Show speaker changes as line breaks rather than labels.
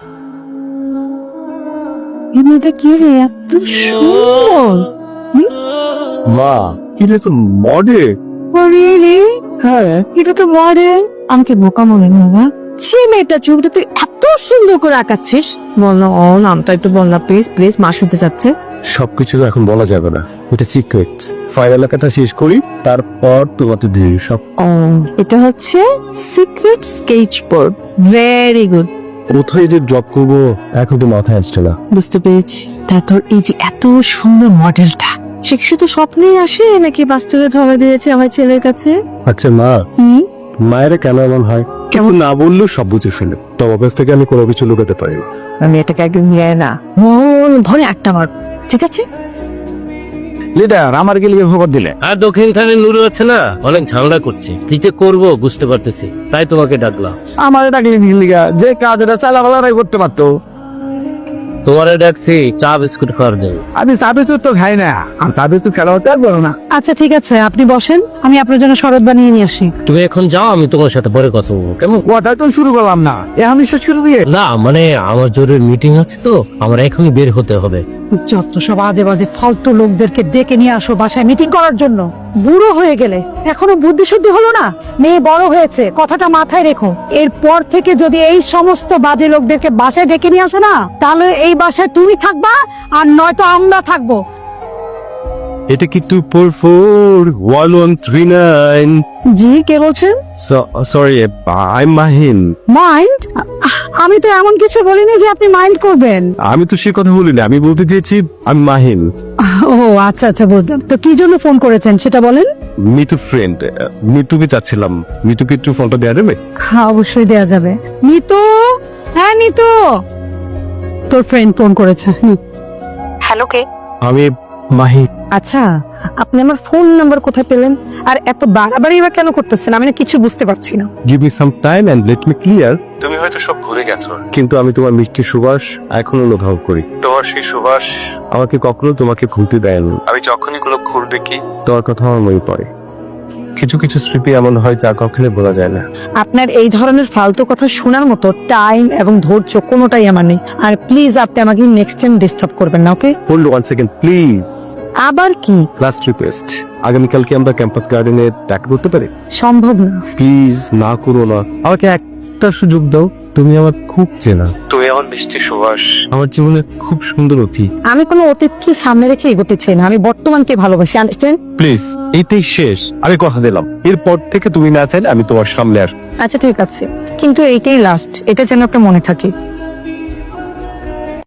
এমনিটা কি রে, এত সুন্দর!
মা, এটা তো মডেল।
রিয়েলি?
হ্যাঁ,
এটা তো মডেল। আমাকে বোকা মনে হয় না। ছি মেয়েটা, চোখটা তুই এত সুন্দর করে আঁকাচ্ছিস। বল না, ও নামটা একটু বল না প্লিজ প্লিজ, মা শুনতে চাচ্ছে।
সবকিছু তো এখন বলা যাবে না, এটা সিক্রেট। ফাইনাল লেখাটা শেষ করি, তারপর তোমাকে দিয়ে সব।
ও, এটা হচ্ছে secret sketch board. Very good.
কোথায় যে ড্রপ করবো এখন তো মাথায় আসছে না।
বুঝতে পেরেছি। তা তোর এই যে এত সুন্দর মডেলটা, সে কি শুধু স্বপ্নেই আসে নাকি বাস্তবে ধরা দিয়েছে আমার ছেলের কাছে?
আচ্ছা মা, মায়ের কেন এমন হয়? কেমন না বললেও সব বুঝে ফেলে। তোমার কাছ থেকে আমি কোনো কিছু লুকাতে পারি না।
আমি এটাকে একদম নিয়ে না, মন ভরে একটা মার, ঠিক আছে?
লিডার, আমার গেলে খবর দিলে।
আর দক্ষিণ খানে নুরু আছে না, অনেক ঝামেলা করছে। কি যে করবো বুঝতে পারতেছি, তাই তোমাকে ডাকলাম।
আমার ডাকলে লিগা যে কাজটা চালাবালাই করতে পারতো।
তোমারে ডাকছি চা বিস্কুট খাওয়ার জন্য।
আমি চা বিস্কুট তো খাই না, আর চা বিস্কুট খেলা হতে পারবো না।
আচ্ছা ঠিক আছে, আপনি বসেন, আমি আপনার জন্য শরবত বানিয়ে নিয়ে আসি।
তুমি এখন যাও, আমি তোমার সাথে পরে কথা বলবো, কেমন?
কথা তো শুরু করলাম না, আমি শেষ করে দিয়ে।
না মানে আমার জরুরি মিটিং আছে তো, আমার এখনই বের হতে হবে।
যত সব আজে বাজে ফালতু লোকদেরকে ডেকে নিয়ে আসো বাসায় মিটিং করার জন্য। বুড়ো হয়ে গেলে এখনো বুদ্ধি শুদ্ধি হলো না? মেয়ে বড় হয়েছে, কথাটা মাথায় রেখো। এরপর থেকে যদি এই সমস্ত বাজে লোকদেরকে বাসায় ডেকে নিয়ে আসো না, তাহলে এই বাসায় তুমি থাকবা আর নয়তো আমরা থাকবো।
এটা কি 2441139?
জি, কে বলছেন?
Sorry, I Mahin.
মাইন্ড? আমি তো এমন কিছু বলিনি যে আপনি মাইন্ড করবেন।
আমি তো সে কথা বলিনি, আমি বলতে চেয়েছি আমি মাহিন।
ও আচ্ছা আচ্ছা, বুঝলাম। তো কি জন্য ফোন করেছেন সেটা বলেন।
মিতু ফ্রেন্ড, মিতুকে চাচ্ছিলাম। মিতুকে একটু ফোনটা দেওয়া যাবে?
হ্যাঁ, অবশ্যই দেয়া যাবে। মিতু, হ্যাঁ মিতু, তোর ফ্রেন্ড ফোন করেছে। হ্যালো, কে?
আমি মাহিন।
আচ্ছা, আপনি আমার ফোন নাম্বার কোথায় পেলেন? আর এত বাড়াবাড়ি বা কেন করতেছেন? আমি না কিছু বুঝতে পারছি না।
Give me some time and let me clear. তুমি হয়তো সব ভুলে গেছো, কিন্তু আমি তোমার মিষ্টি সুবাস এখনো অনুভব করি। তোমার সেই সুবাস আমাকে কখনো তোমাকে ভুলতে দেয় না। আমি যখনই কোনো ফুল দেখি, তোমার কথা আমার মনে পড়ে। কিছু কিছু স্মৃতি এমন হয় যা কখনো বলা যায় না।
আপনার এই ধরনের ফালতু কথা শোনার মতো টাইম এবং ধৈর্য কোনোটাই আমার নেই। আর প্লিজ আপনি আমাকে নেক্সট টাইম ডিস্টার্ব করবেন না, okay?
Hold one second please.
আবার কি?
লাস্ট রিকোয়েস্ট, আগামীকালকে আমরা ক্যাম্পাস গার্ডেনে দেখা করতে পারি?
সম্ভব না।
প্লিজ না করো না, আমাকে একটা সুযোগ দাও। তুমি আমার খুব চেনা, তুমি আমার মিষ্টি সুবাস, আমার জীবনে খুব সুন্দর অতীত।
আমি কোনো অতীতকে সামনে রেখে এগোতে চাই না, আমি বর্তমানকে ভালোবাসি, আন্ডারস্ট্যান্ড?
প্লিজ, এইটাই শেষ। আমি কথা দিলাম, এরপর থেকে তুমি না চাইলে আমি তোমার সামনে আসবো।
আচ্ছা ঠিক আছে, কিন্তু এইটাই লাস্ট, এটা যেন আপনার মনে থাকে।